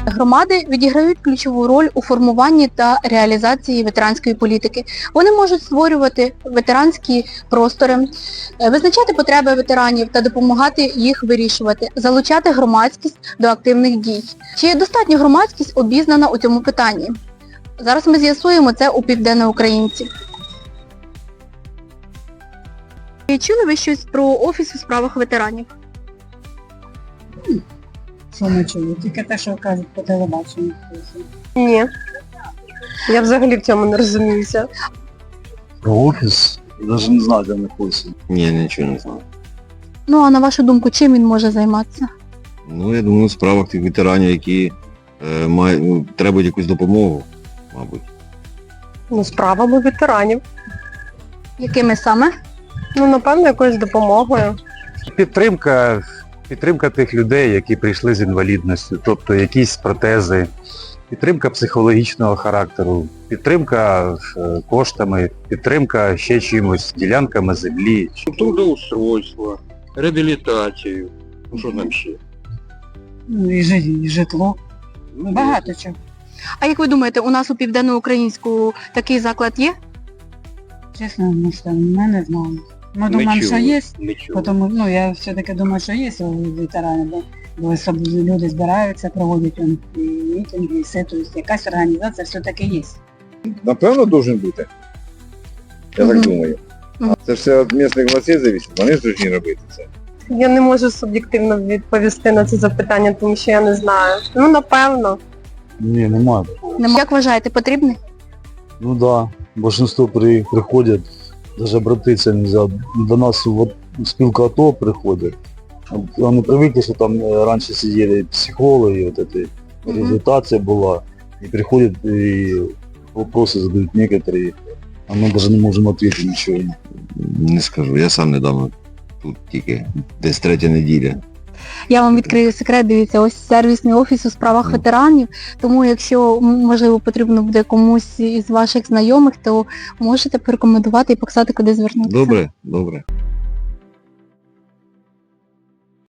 Громади відіграють ключову роль у формуванні та реалізації ветеранської політики. Вони можуть створювати ветеранські простори, визначати потреби ветеранів та допомагати їх вирішувати, залучати громадськість до активних дій. Чи достатньо громадськість обізнана у цьому питанні? Зараз ми з'ясуємо це у Південноукраїнці. Чи чули ви щось про Офіс у справах ветеранів? Що не чую? Тільки те, що кажуть по телебаченню. Ні. Я взагалі в цьому не розуміюся. Про офіс? Я навіть не знаю, де знаходиться. Ні, нічого не знаю. Ну, а на вашу думку, чим він може займатися? Ну, я думаю, в справах тих ветеранів, які требують якусь допомогу, мабуть. Ну, справами ветеранів. Якими саме? Ну, напевно, якоюсь допомогою. Підтримка тих людей, які прийшли з інвалідністю, тобто якісь протези, підтримка психологічного характеру, підтримка коштами, підтримка ще чимось, ділянками землі. Трудоустройство, реабілітацію, ну що там ще? Ну, і житло. Багато чого. А як ви думаєте, у нас у Південноукраїнську такий заклад є? Чесно, ми не знаємо. Ми думаємо, що є, тому, я все-таки думаю, що є у ветеранів, бо люди збираються, проводять і мітинги, і все, тобто якась організація все-таки є. Напевно, должен бути. Я так думаю. Це все від місцевих властей залежить, вони ж повинні робити це. Я не можу суб'єктивно відповісти на це запитання, тому що я не знаю. Ну, напевно. Ні, немає. Як вважаєте, потрібний? Ну да, большинство приходять, навіть обратитися не можна. До нас в спілку АТО приходять. Вони привикли, що там раніше сиділи психологи, реабілітація була. І приходять і вопроси задають некоторі, а ми навіть не можемо відповісти нічого. Не скажу, я сам недавно тут тільки, десь третя неділя. Я вам відкрию секрет, дивіться, ось сервісний офіс у справах ветеранів, тому якщо, можливо, потрібно буде комусь із ваших знайомих, то можете порекомендувати і показати, куди звернутися. Добре, добре.